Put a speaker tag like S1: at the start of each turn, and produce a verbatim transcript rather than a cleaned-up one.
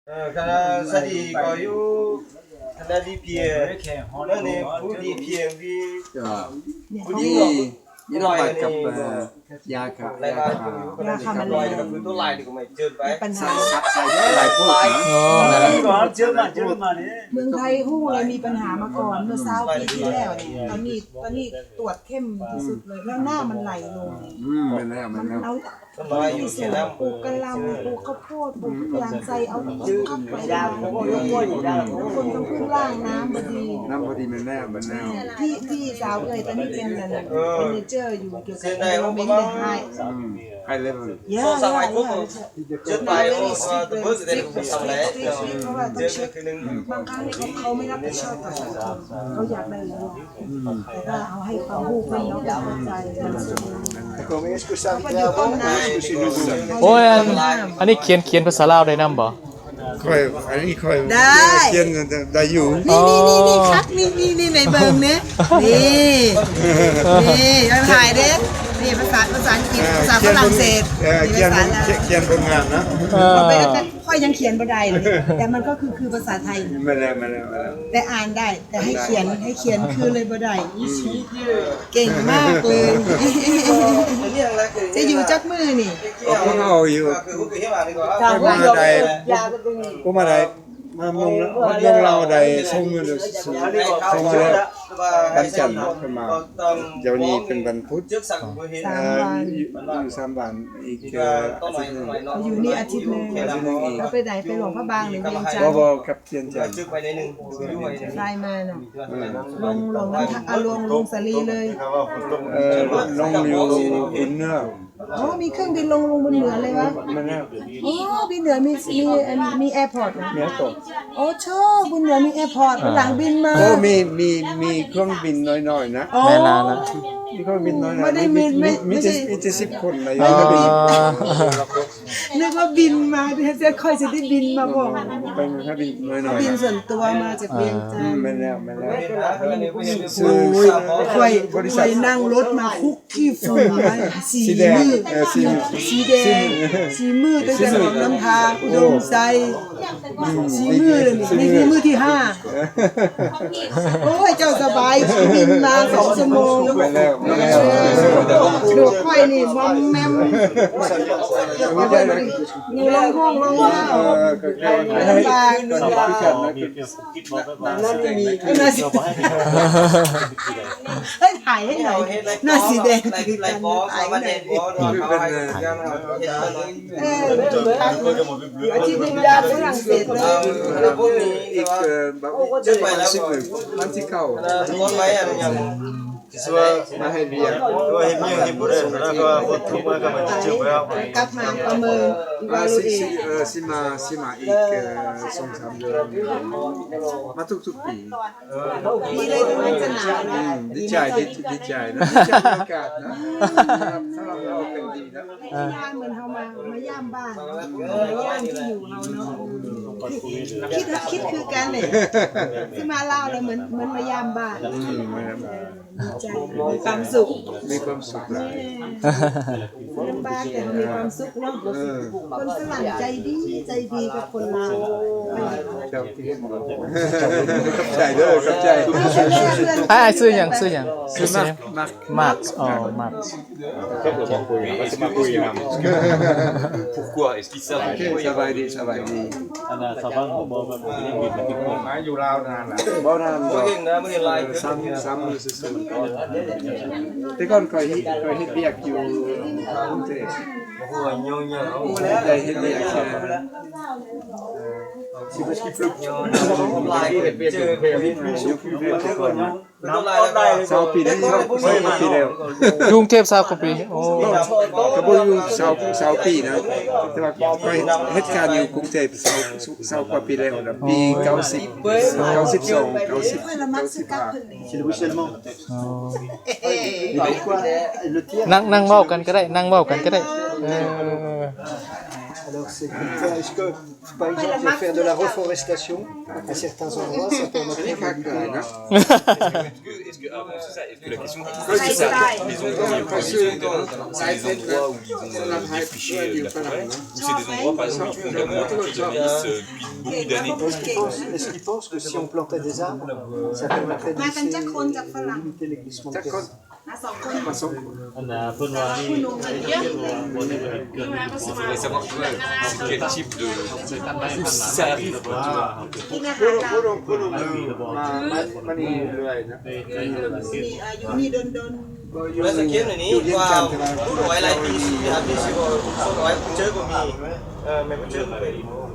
S1: ขณะสดีก็อยู่ขณะที่เพียนั่นเองผู้ที่เพียงที่ผู้ที่
S2: ยี่ห้อบัตรกับยาครับ
S1: ลายลายยาคามันลอยกับพื้นตัวลายดีกว่าไม่เจอไป
S3: ปัญหา
S2: ลายพวก
S4: อ๋อ
S1: เจอมาเจอมาเนี่ย
S3: เมืองไทยฮู้เลยมีปัญหามาก่อนเมื่อเช้าปีที่แล้วเนี่ยตอนนี้ตอนนี้ตรวจเข้มที่สุดเลยแล้วหน้ามันไหลลง
S2: อืมมันแล้วมันแล้ว
S3: เอาที่สูงปลูกกะหล่ำปลูกข้าวโพดปลูกทุกอย่างใส่เอาข้าวไปดาวแล้วคนต้องพึ่งล่างน้ำพอดี
S2: น้ำพอดีมันแล้วมันแล้ว
S3: ที่ที่สาวเอ่ยตอนนี้เป็นอะไรเป็นเนเจอร์อยู่เกี่ยวกับเรื่องเมนเทนไฮ
S2: ไฮเลเวล
S3: เยอะเยอะ
S1: เจอไปโอ้ตัวเบอร์จะได้รู้ทำอะไรเจอคือหนึ่ง
S3: บางครั้งเขาเขาไม่รับผิดชอบกับสังคมเขาอยากได้เลยแต่ก็เอาให้ความรู้เพื่อนน้องเข้าใจ
S4: โอ้ยอันนี้เขียนเขียนภาษาลาวได้นำบ่
S2: ค่อยอันนี้ค่อยเขียนได้อยู่
S3: นี่นี่นี่นี่ครับนี่นี่นี่ในเบิ่งเนี่ยนี่นี่ยังถ่ายเด้นี่ภาษาภาษาอังกฤษภาษาฝรั่งเศส
S2: เขียนเขียนผลงานนะ
S3: ค่อยยังเขียนบ่ได้เลยแต่มันก็คือคือภาษาไทย
S2: มาแล้วมาแล้วมาแล้ว
S3: แต่อ่านได้แต่ให้เขียนให้เขียนคือเลยบ่ได้เก่งมากเลยจะอยู่จักมือนี่
S2: ก็เอาอยู่ก็มาได้ก็มาได้มามงมงเราได้ส่งเงินส่งเงินวันจันทร์ขึ้นมาเดี๋ยวนี้เป็นวันพุธ
S3: สามวัน
S2: อยู่สามวันอีกอาทิตย์นึง
S3: อยู่นี่อาทิตย์นึงเราไปไหนไปหลวงพระบางหรือเวียงจันทร์
S2: บ่ๆกับเวียงจันทร์
S3: ไลน์มาน่ะลงลงเอาลงลงสลีเลย
S2: เออลงอยู่บุญเนื้อ
S3: อ๋อมีเครื่องบินลงลงบนเหนือเลยวะ
S2: มันแล้ว
S3: อ๋อบินเหนือมีมีมีแอร์พอร์ต
S2: มีตก
S3: โอ้ชอบบนเหนือมีแอร์พอร์ตหลังบินมา
S2: โอ้มีมีมีเครื่องบินน้อยๆนะ
S4: แม่นานนะ
S2: มีเครื่องบินน้อยๆไม่ได้มีมีจะมีจะสิบคนเลย
S3: นึกว่าบินมาจะค่อยจะได้บินมาบอก
S2: เป็นเครื่องบินน้อยๆ
S3: บินส่วนตัวมาจากเวียงจันทร์
S2: ไม่แล้วไม่แล้ว
S3: ซื้อค่อยค่อยนั่งรถมาคุกขี้ฝุ่นมาสีมือสีสีแดงสีมือตั้งแต่หนองน้ำทางอุดมไซสีมือเลยนี่นี่มือที่ห้าโอ้ยเจ้าสบายบินมาสองชั่วโมง
S2: ไม่แล้วไม่แล้ว
S3: ดูค่อยนี่มอมแมมอยู่ลงห้องลงห้าวลำบากนั่นมีน่าสีเฮ้ยถ่ายให้หน่อยหน้าสีแดงถ่ายให้หน่อยเอออาชีพเป็นยาฝรั่งเศสเลย
S2: อีกแบบจะไปแล้วมันที่เข้ามาให้เบียร์
S1: ด้วยให้เมียให้บุรุษแล้วก็คนทุกข์ก็มาจิ้มไปแล้ว
S3: กลับมาประเมิน
S2: มาสิเออสิมาสิมาอีกสองสามเดือนมาทุกทุกปี
S3: ปีเลยเป็นวันสนาม
S2: ดีใจดีดีใจนะดีใจอากาศนะสำหรับเราเป็นดีนะ
S3: เหมือนเขามามาย่ามบ้านมาย่ามที่อยู่เราเนาะคิดคิดคือกันเลยที่มาเล่าเลยเหมือนเหมือนมาย่ามบ้านใจมีความสุข
S2: มีความสุขเลย
S3: ลำบากแต่มีความสุขเนาะคนฝรั่งใจดีใจดีกับคนลาว
S2: เจ้าที่กับใจเด้อกับใจ
S4: ไอ้ซื้อหยังซื้อหยังซื้อมา
S2: มา
S4: มาอ๋อมา
S1: ครับผมคุยมาสิมาคุยนำ Pourquoi est-ce qu'il ça
S2: สบายดีสบายดี
S1: อันน่ะสบายบ่บ่บ่ยังบินมาติดบ่
S2: มาอยู่ลาวนานล่ะบ่นานบ่
S1: เก่งนะมื้อไลฟ์
S2: ซ้ำซ้ำมือซื่อๆแต่ก่อนเคยเคยเฮ็ดเวียกอยู่กรุงเทพ
S1: โอ้โหโยๆเอา
S2: ได้เฮ็ดเวียก
S1: Si parce qu'il pleut. Sao
S2: pi đấy sao sao pi đều.
S4: กรุงเทพ20กว่าปีโอ้
S2: ก็บ่อยู่20 20ปีนะแต่ว่าก็เฮ็ดการอยู่กรุงเทพ20 20กว่าปีแล้วนะปีเก้าสิบ เก้าสิบสอง เก้าสิบ
S1: C'est le ruissellement.
S4: นั่งนั่งเว้ากันก็ได้นั่งเว้ากันก็ได้เออ
S5: Alors, c'est est-ce que, par exemple, faire de la reforestation à certains endroits, ça permettrait d'éviter.
S6: Est-ce que, ah bon, c'est ça, est-ce que la question, c'est ça, les endroits, c'est des endroits où ils vont défricher de la forêt, ou c'est des endroits, par exemple, qui font de la montée de maïs depuis beaucoup d'années?
S5: Est-ce qu'ils pensent, est-ce qu'ils pensent que si on plantait des arbres, ça permettrait de lisser- de limiter les glissements de terrain?
S4: อันน่ะเพิ่นว่านี่
S6: Il faudrait savoir, tu vois, c'est quel type de... où ça arrive, quoi, tu vois.
S2: พูดลงพูดลงมามานี่เรื่อยนะ
S3: อยู่นี่โดน
S1: Bây giờ kiếm này ní vào hút đói lại đi đi học đi sư bộ số đói cũng chơi của mình, mày cũng chơi của mình.